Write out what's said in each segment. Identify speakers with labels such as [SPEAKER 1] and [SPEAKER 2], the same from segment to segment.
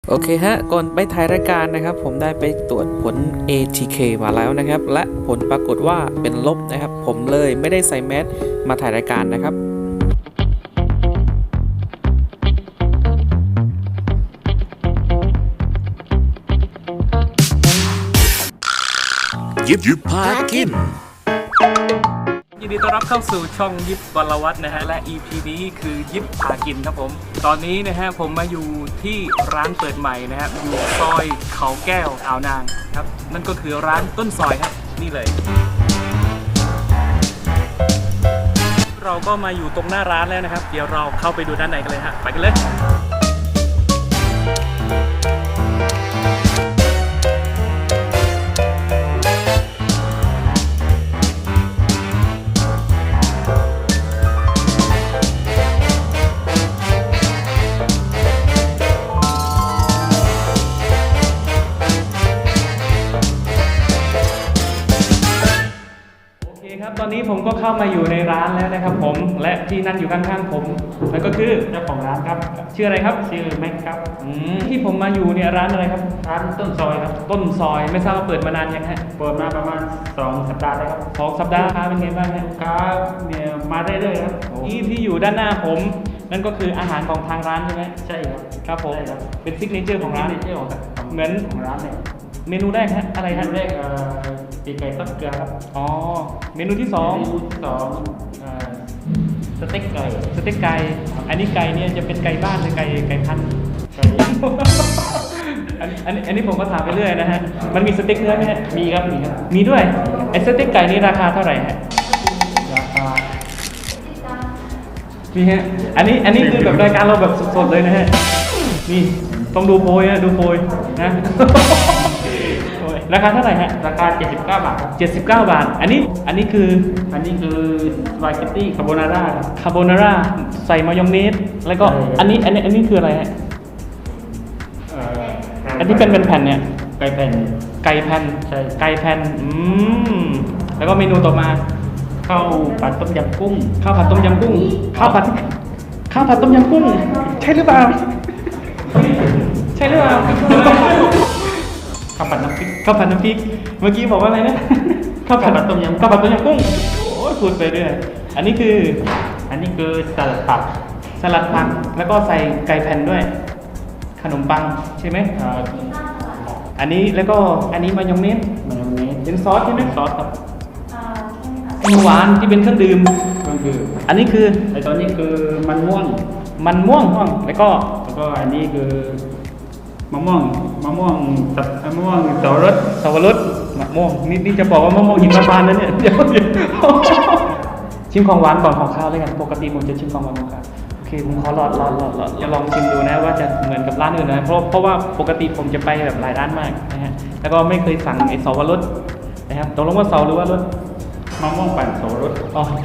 [SPEAKER 1] โอเคฮะก่อนไปถ่ายรายการนะครับผมได้ไปตรวจผล ATK มาแล้วนะครับและผลปรากฏว่าเป็นลบนะครับผมเลยไม่ได้ใส่แมสมาถ่ายรายการนะครับ
[SPEAKER 2] ยิบพากิน
[SPEAKER 3] ยินดีต้อนรับเข้าสู่ช่องยิบวรวัฒน์นะฮะและ EP นี้คือยิบพากินครับผมตอนนี้นะฮะผมมาอยู่ที่ร้านเปิดใหม่นะฮะอยู่ซอยเขาแก้วอ่าวนางครับนั่นก็คือร้านต้นซอยครับนี่เลยเราก็มาอยู่ตรงหน้าร้านแล้วนะครับเดี๋ยวเราเข้าไปดูด้านในกันเลยฮะไปกันเลยครับตอนนี้ผมก็เข้ามาอยู่ในร้านแล้วนะครับผมและที่นั่งอยู่ข้างๆผมนั่นก็คือเจ้าของร้านครับชื่ออะไรครับชื่อแม็กครับที่ผมมาอยู่เนี่ยร้านอะไรครับร้านต้นซอยครับต้นซอยไม่ทราบว่าเปิดมานานยังฮะเปิดมาประมาณ2 สัปดาห์แล้วครับ2 สัปดาห์ค้าเป็นไงบ้างฮะค้าเนี่ยมาเรื่อยๆครับที่อยู่ด้านหน้าผมนั่นก็คืออาหารของทางร้านใช่ไหมใช่ครับครับผมเป็นซิกเนเจอร์ของร้านเหมือนของร้านเนี่ยเมนูแรกฮะอะไรฮะแรกปีกไก่ทอดเกลือครับอ๋อเมนูที่2สเต็กไก่อันนี้ไก่เนี่ยจะเป็นไก่บ้านหรือไก่พันธุ์อันนี้ผมก็ถามไปเรื่อยนะฮะมันมีสเต็กเนื้อไหมฮะมีครับมีด้วยไอ้สเต็กไก่นี่ราคาเท่าไหร่ฮะราคานี่ฮะอันนี้คือแบบรายการเราแบบสดๆเลยนะฮะนี่ต้องดูโพยนะดูโพยนะราคาเท่าไหร่ฮะราคา79 บาท79 บาทอันนี้คือสปาเกตตี้คาโบนาร่าใส่มายองเนสแล้วก็อันนี้คืออะไรฮะอันที่เป็นแผ่นเนี่ยไก่แผ่นใช่ไก่แผ่นแล้วก็เมนูต่อมาข้าวผัดต้มยำกุ้งข้าวผัดต้มยำกุ้งใช่หรือเปล่าข้าวผัดน้ำพริกเมื่อกี้บอกว่าอะไรนะข้าวผัดต้มยำกุ้งโอ้ยพูดไปเรื่อยอันนี้คือสลัดผักแล้วก็ใส่ไก่แผ่นด้วยขนมปังใช่ไหมอันนี้แล้วก็อันนี้มายองเนสเป็นซอสใช่ไหมซอสครับหวานที่เป็นเครื่องดื่มอันนี้คือไอตอนนี้คือมันม่วงแล้วก็อันนี้คือมะม่วงสับปะรดมะม่วงนี่จะบอกว่ามะม่วงหิมพานต์นะเนี่ยเดี๋ยวชิมของหวานก่อนของข้าวเลยกันปกติผมจะชิมของหวานของข้าวโอเคผมขอหลอดจะลองชิมดูนะว่าจะเหมือนกับร้านอื่นนะเพราะว่าปกติผมจะไปแบบหลายร้านมากนะฮะแล้วก็ไม่เคยสั่งไอ้สับปะรดนะครับตกลงว่าเสาหรือว่ารสมะม่วงปั่นสับปะรดโอเค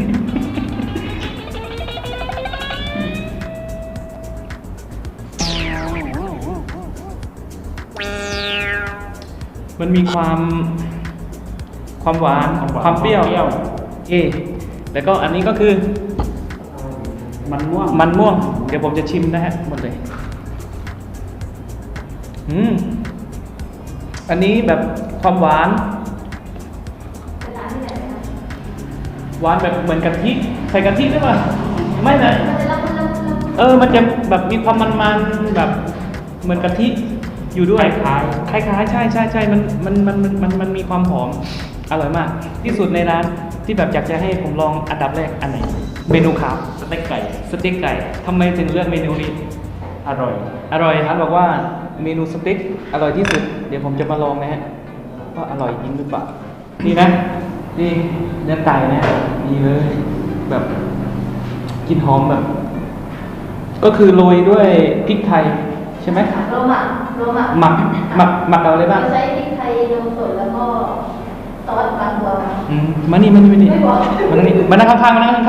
[SPEAKER 3] มันมีความหวานความเปรี้ยวแล้วก็อันนี้ก็คือมันม่วงเดี๋ยวผมจะชิมนะฮะหมดเลยอันนี้แบบความหวานแบบเหมือนกะทิใส่กะทิหรือเปล่าไม่นะมันจะแบบมีความมันแบบเหมือนกะทิอยู่ด้วยคล้ายใช่มันมีความหอมอร่อยมากที่สุดในร้านที่แบบอยากจะให้ผมลองอันดับแรกอันไหนเมนูขาวสเต็กไก่ทำไมถึงเลือกเมนูนี้อร่อยร้านบอกว่าเมนูสเต็กอร่อยที่สุดเดี๋ยวผมจะมาลองนะฮะว่าอร่อยจริงหรือเปล่านี่นะนี่เนื้อไก่นะนี่เลยแบบกลิ่นหอมแบบก็คือโรยด้วยพริกไทยใช่ไหมโรหมักเอาอะไรบ้าง
[SPEAKER 4] ใช้พริกไทยนมสดแล้วก็ซอสบางตัว
[SPEAKER 1] มานี่มานั่งข้างๆเนี่ย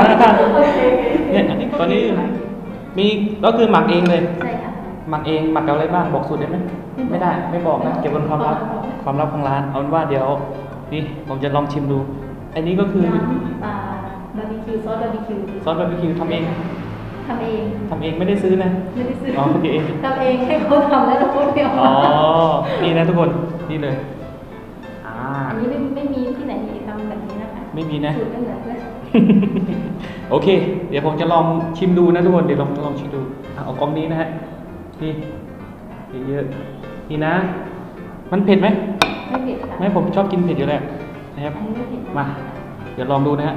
[SPEAKER 1] ตอนนี้มีก็คือหมักเองเลย
[SPEAKER 4] ใช่ค่ะ
[SPEAKER 1] หมักเองหมักเอาอะไรบ้างบอกสูตรได้ไหมไม่ได้ไม่บอกนะเก็บเป็นความลับของร้านเอาเป็นว่าเดี๋ยวนี่ผมจะลองชิมดูอันนี้ก็คือบ
[SPEAKER 4] าร์บีคิวซอสบาร์บีคิว
[SPEAKER 1] ทำเอง
[SPEAKER 4] ทำเอง
[SPEAKER 3] ทำเองไม่ได้ซื้อนะ
[SPEAKER 4] ไม่ได้ซื้อ
[SPEAKER 3] อ๋อทำเอง
[SPEAKER 4] ทำเองให้เขาทำแล้วเราพูดเดียว
[SPEAKER 3] อ๋อ นี่นะทุกคน นี่เลย
[SPEAKER 4] อันนี้ไม่มีที่ไหนทำแบบนี้นะคะ
[SPEAKER 3] ไม่มีนะ
[SPEAKER 4] สูตรไม่เหมือนเพื่อน
[SPEAKER 3] โอเค เดี๋ยวผมจะลองชิมดูนะทุกคน เดี๋ยวลองชิมดูเอากล้องนี้นะฮะ นี่เยอะๆนี่นะ มันเผ็ดไหม
[SPEAKER 4] ไม่เผ็ดค่ะ
[SPEAKER 3] ไม่ผมชอบกินเผ็ดอยู่แล้วนะครับ
[SPEAKER 4] อันนี้ไม่เผ็ด
[SPEAKER 3] มา เดี๋ยวลองดูนะฮะ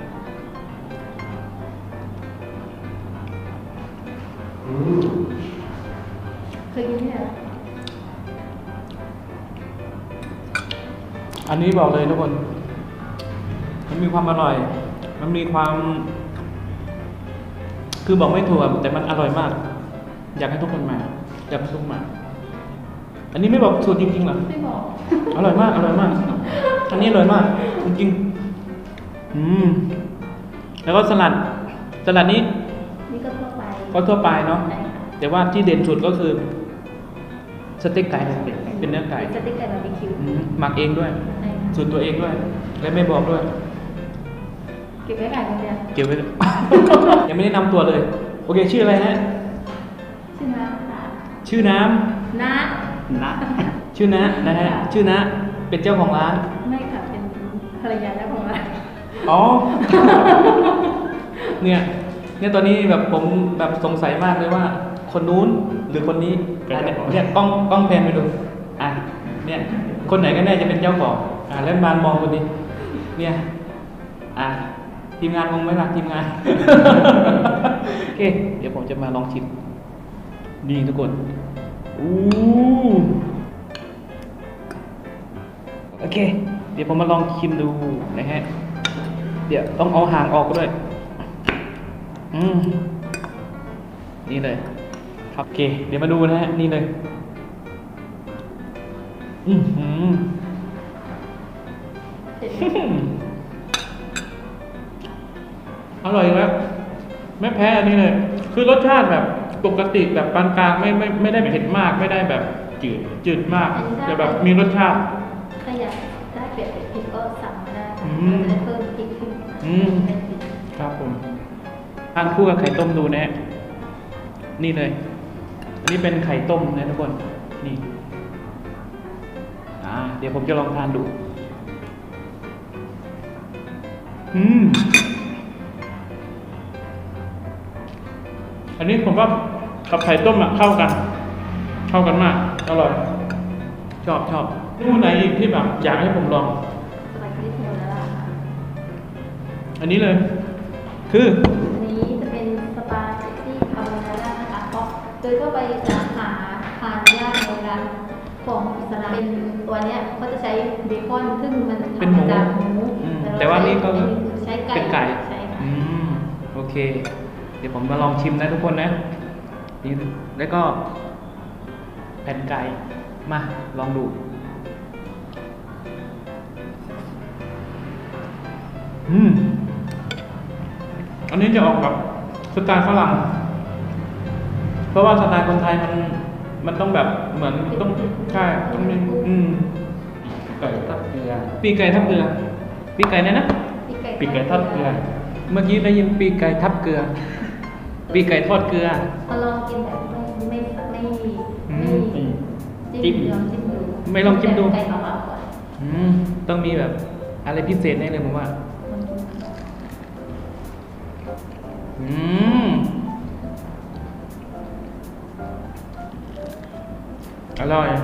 [SPEAKER 4] เคยกินที่ไหน
[SPEAKER 3] อันนี้บอกเลยทุกคน มันมีความอร่อย มันมีความ คือบอกไม่ถูกอะแต่มันอร่อยมาก อยากให้ทุกคนมา อยากให้ทุกคนมา อันนี้ไม่บอกสูตรจริงๆเหรอ
[SPEAKER 4] ไม่บอก
[SPEAKER 3] อร่อยมาก อร่อยมาก อันนี้อร่อยมาก จริงๆแล้วก็สลัดนี้
[SPEAKER 4] นี่ก็ทั่วไป
[SPEAKER 3] ก็ทั่วไปเนาะ
[SPEAKER 4] ใช่ค่ะ
[SPEAKER 3] แต่ว่าที่เด่นสุดก็คือสเต็กไก่เป็นเนื้อไก่
[SPEAKER 4] สเต็กไก่บาร์บีคิว
[SPEAKER 3] หมักเองด้วย
[SPEAKER 4] ใช่ค่ะ
[SPEAKER 3] สูตรตัวเองด้วย และไม่บอกด้วย
[SPEAKER 4] เก็บไว้ขายคนเดียว
[SPEAKER 3] เก็บไว้ ยังไม่ได้นำตัวเลย โอเค ชื่ออะไรฮะ
[SPEAKER 4] ชื่อน้ำค่ะ
[SPEAKER 3] ชื่อน้
[SPEAKER 4] น้า
[SPEAKER 3] ำนะชื่อนะนะฮะ ชื่อนะ เป็นเจ้าของร้าน
[SPEAKER 4] ไม่ค่ะ เป็นภรรยาเจ้าของร้าน
[SPEAKER 3] อ๋อ เนี่ยตอนนี้แบบผมแบบสงสัยมากเลยว่า คนนู้นหรือคนนี้เนี่ยกล้องแพนไปดู อ่ะ เนี่ย คนไหนกันแน่จะเป็นเจ้าของ แล้วมามองคนนี้ เนี่ย ทีมงานงงไหมล่ะทีมงาน โอเค เดี๋ยวผมจะมาลองชิมนี่ทุกคนอู้โอเค เดี๋ยวผมมาลองชิมดูนะฮะ เดี๋ยวต้องเอาหางออกด้วย นี่เลย ครับโอเค เดี๋ยวมาดูนะฮะ นี่เลย
[SPEAKER 4] เสร็จ
[SPEAKER 3] อร่อยแล้วไม่แพ้อันนี้เลย คือรสชาติแบบปกติแบบปานกลางไม่ได้เผ็ดมาก ไม่ได้แบบจืดมาก แต่แบบมีรสชาติ
[SPEAKER 4] ถ้าอยากได้เปรียบพริกก็สั่งมาได้
[SPEAKER 3] อืม
[SPEAKER 4] จะได้เพิ่มพริกขึ้น เป็นพริก
[SPEAKER 3] ครับผมทานคู่กับไข่ต้มดูนะฮะนี่เลย อันนี้เป็นไข่ต้มนะทุกคน นี่ เดี๋ยวผมจะลองทานดู อันนี้ผมว่ากับไข่ต้มเข้ากันมาก อร่อย ชอบเมนูไหนอีกที่แบบอยากให้ผมลอง
[SPEAKER 4] สปาเกตตี้โทนาร่าค่ะ
[SPEAKER 3] อันนี้เลย คือ
[SPEAKER 4] อันนี้จะเป็นสปาเกตตี้คาโบนาร่านะคะเพราะโดยทั่วไปจะหาทานยากในร้านของอิสลามเป็นตัวเนี้ยก็จะใช้เบคอนซึ่งมันทำ
[SPEAKER 3] เป็นหมู
[SPEAKER 4] มาจากหมู
[SPEAKER 3] แต่ว่านี่ก็
[SPEAKER 4] อัคือใช้ไก่
[SPEAKER 3] เป็นไก่
[SPEAKER 4] ใช่ค่ะ
[SPEAKER 3] โอเค เดี๋ยวผมมาลองชิมนะทุกคนนะนี่แล้วก็แผ่นไก่ มาลองดู อันนี้จะออกแบบสไตล์ฝรั่ง เพราะว่าสไตล์คนไทยมันต้องแบบเหมือนต้องใช่ต้องมีไก่ทับเกลือปีกไก่ทับเกลือปีกไก่เนี่ยนะ ปีกไก่ทอดเกลือ เมื่อกี้ได้ยินปีกไก่ทับเกลือ ปีกไก่ทอดเกลือ
[SPEAKER 4] มาลองกินแบบไม่
[SPEAKER 3] จิ้ม
[SPEAKER 4] ลองจิ้มดู
[SPEAKER 3] ไม่ลองจิ้มดู
[SPEAKER 4] ไก่เปล่าๆก่อน
[SPEAKER 3] ต้องมีแบบอะไรพิเศษแน่เลยผมว่า
[SPEAKER 4] ลองกิน
[SPEAKER 3] อร่อย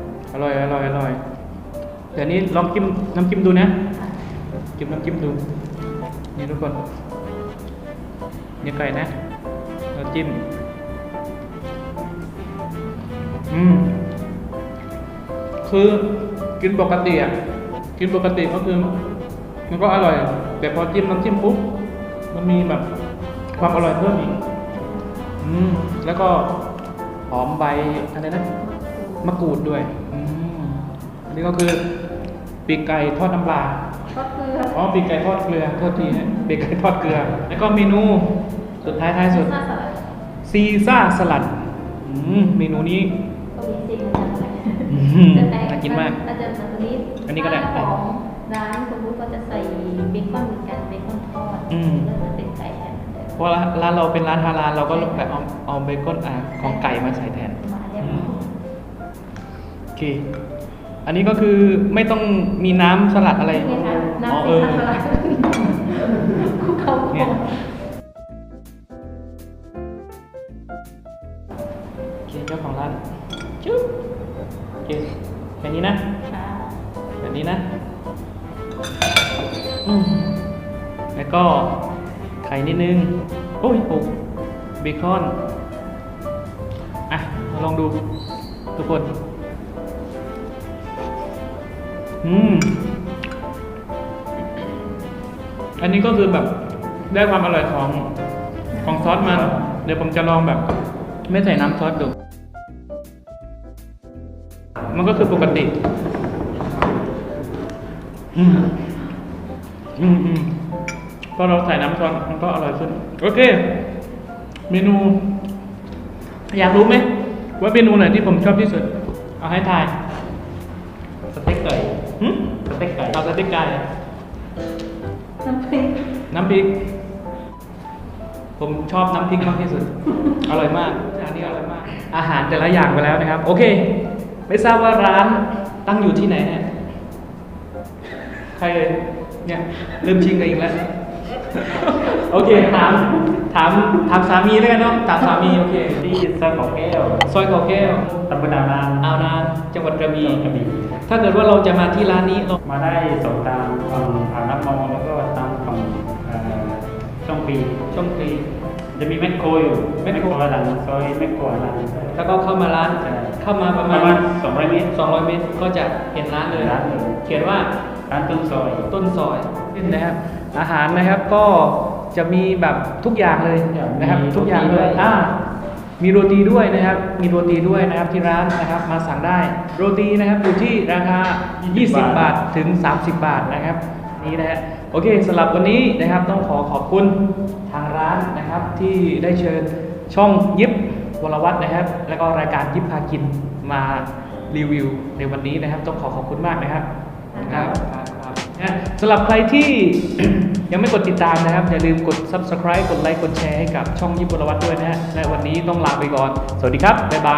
[SPEAKER 3] แต่นี้ลองจิ้มน้ำจิ้มดูนะ
[SPEAKER 4] ค่ะ
[SPEAKER 3] จิ้มน้ำจิ้มดู นี่ทุกคนนี่ไก่นะเราจิ้มคือกินปกติก็คือมันก็อร่อย แต่พอจิ้มน้ำจิ้มปุ๊บมันมีแบบความอร่อยเพิ่มอีกแล้วก็หอมใบอะไรนะมะกรูดด้วยอันนี้ก็คือปีกไก่ทอดน้ำปลา
[SPEAKER 4] ทอดเกลือ
[SPEAKER 3] ปีกไก่ทอดเกลือโทษทีฮะปีกไก่ทอดเกลือ แล้วก็เมนูสุดท้ายสุด
[SPEAKER 4] ซ่าสลัด
[SPEAKER 3] ซีซ่าสลัดเมนูนี้
[SPEAKER 4] ก็มีซีเหมือนกันค่ะ
[SPEAKER 3] น่ากินมาก
[SPEAKER 4] อาจจะแบบนี้
[SPEAKER 3] อันนี้ก็ได้
[SPEAKER 4] ถ้าของร้านสมมติก็จะใส่เบคอนเหมือนกันเบคอนทอดแล้วจะเป็นไก่แทน
[SPEAKER 3] เพราะร้านเราเป็นร้านฮาลาลเราก็แบบเอาเบคอนของไก่มาใส่แทน
[SPEAKER 4] มาเรียบ
[SPEAKER 3] อื
[SPEAKER 4] ร้อ
[SPEAKER 3] ม
[SPEAKER 4] ย
[SPEAKER 3] โอเค อันนี้ก็คือไม่ต้องมีน้ำสลัดอะไร
[SPEAKER 4] นี่ค่ะ
[SPEAKER 3] อ๋อ
[SPEAKER 4] น้ำ
[SPEAKER 3] เอ
[SPEAKER 4] ซี
[SPEAKER 3] อ
[SPEAKER 4] ซันสลัดคุกเขา
[SPEAKER 3] เนี่ย โอเคเจ้าของร้านจุ๊บโอเคแค่นี้นะ
[SPEAKER 4] ค่ะ
[SPEAKER 3] แบบนี้นะอืมแล้วก็ไข่นิดนึง โอ้ยโอ้เบคอน อ่ะมาลองดูทุกคน อันนี้ก็คือแบบได้ความอร่อยของซอสมัน เดี๋ยวผมจะลองแบบ ไม่ใส่น้ำซอสดู มันก็คือปกติ พอเราใส่น้ำซอสมันก็อร่อยขึ้น โอเค เมนู อยากรู้ไหมว่าเมนูไหนที่ผมชอบที่สุด เอาให้ทาย
[SPEAKER 2] สเต็กไก่
[SPEAKER 3] หึ
[SPEAKER 2] สเต็กไก่
[SPEAKER 3] เอาสเต็กไก่
[SPEAKER 4] น้ำพริก
[SPEAKER 3] น้ำพริก ผมชอบน้ำพริกมากที่สุด อร่อยมากอันนี้อร่อยมาก อาหารแต่ละอย่างไปแล้วนะครับ โอเค ไม่ทราบว่าร้านตั้งอยู่ที่ไหนเนี่ยใครเอ่ยเนี่ยเริ่มชิงกันอีกแล้ว โอเค ถามสามีแล้วกันเนาะถามสามี โอเค
[SPEAKER 2] ที่ซอยเขาแก้ว
[SPEAKER 3] ซอยเกาแก้ว
[SPEAKER 2] ตำบลนานาง
[SPEAKER 3] อาวนานจังหวัดกระบี่
[SPEAKER 2] กระบี่
[SPEAKER 3] ถ้าเกิดว่าเราจะมาที่ร้านนี้เรา
[SPEAKER 2] มาได้สองทางฝั่งอ่าวน้ำมองแล้วก็ทางฝั่งช่องปี
[SPEAKER 3] ช่องฟรี
[SPEAKER 2] จะมีแมคโครอยู่
[SPEAKER 3] แมคโคร
[SPEAKER 2] หลังซอยแมคโครหลัง
[SPEAKER 3] แล้วก็เข้ามาร้าน
[SPEAKER 2] ใช่
[SPEAKER 3] เข้ามาประ
[SPEAKER 2] ป
[SPEAKER 3] มา
[SPEAKER 2] ระ
[SPEAKER 3] ณ
[SPEAKER 2] มาณ200 เมตร
[SPEAKER 3] 200 เมตรก็จะเห็นร้านเลย
[SPEAKER 2] ร้านเลย
[SPEAKER 3] เขียนว่า
[SPEAKER 2] ร้านต้นซอย
[SPEAKER 3] ต้นซอยนะครับ อาหารนะครับก็จะมีแบบทุกอย่างเลยนะครับ ทุกอย่างเลยมีโรตีด้วยนะครับ มีโรตีด้วยนะครับที่ร้านนะครับ มาสั่งได้โรตีนะครับอยู่ที่ราคา 20 บาทถึง 30 บาทนะครับนี่นะฮะโอเคสำหรับวันนี้นะครับต้องขอบคุณทางร้านนะครับ ที่ได้เชิญช่องยิบวรวัฒน์นะครับ แล้วก็รายการยิบพากินมารีวิวในวันนี้นะครับ ต้องขอบคุณมากนะครับครับสำหรับใครที่ ยังไม่กดติดตามนะครับ อย่าลืมกด subscribe กดไลค์กดแชร์ให้กับช่องยิบวรวัฒน์ด้วยนะฮะและวันนี้ต้องลาไปก่อน สวัสดีครับ บ๊ายบาย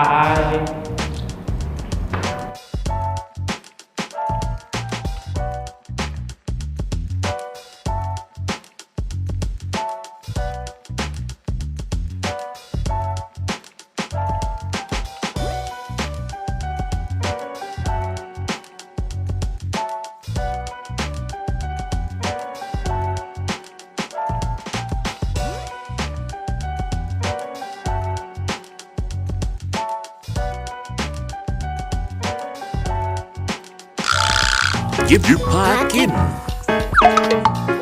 [SPEAKER 5] ยิบพากิน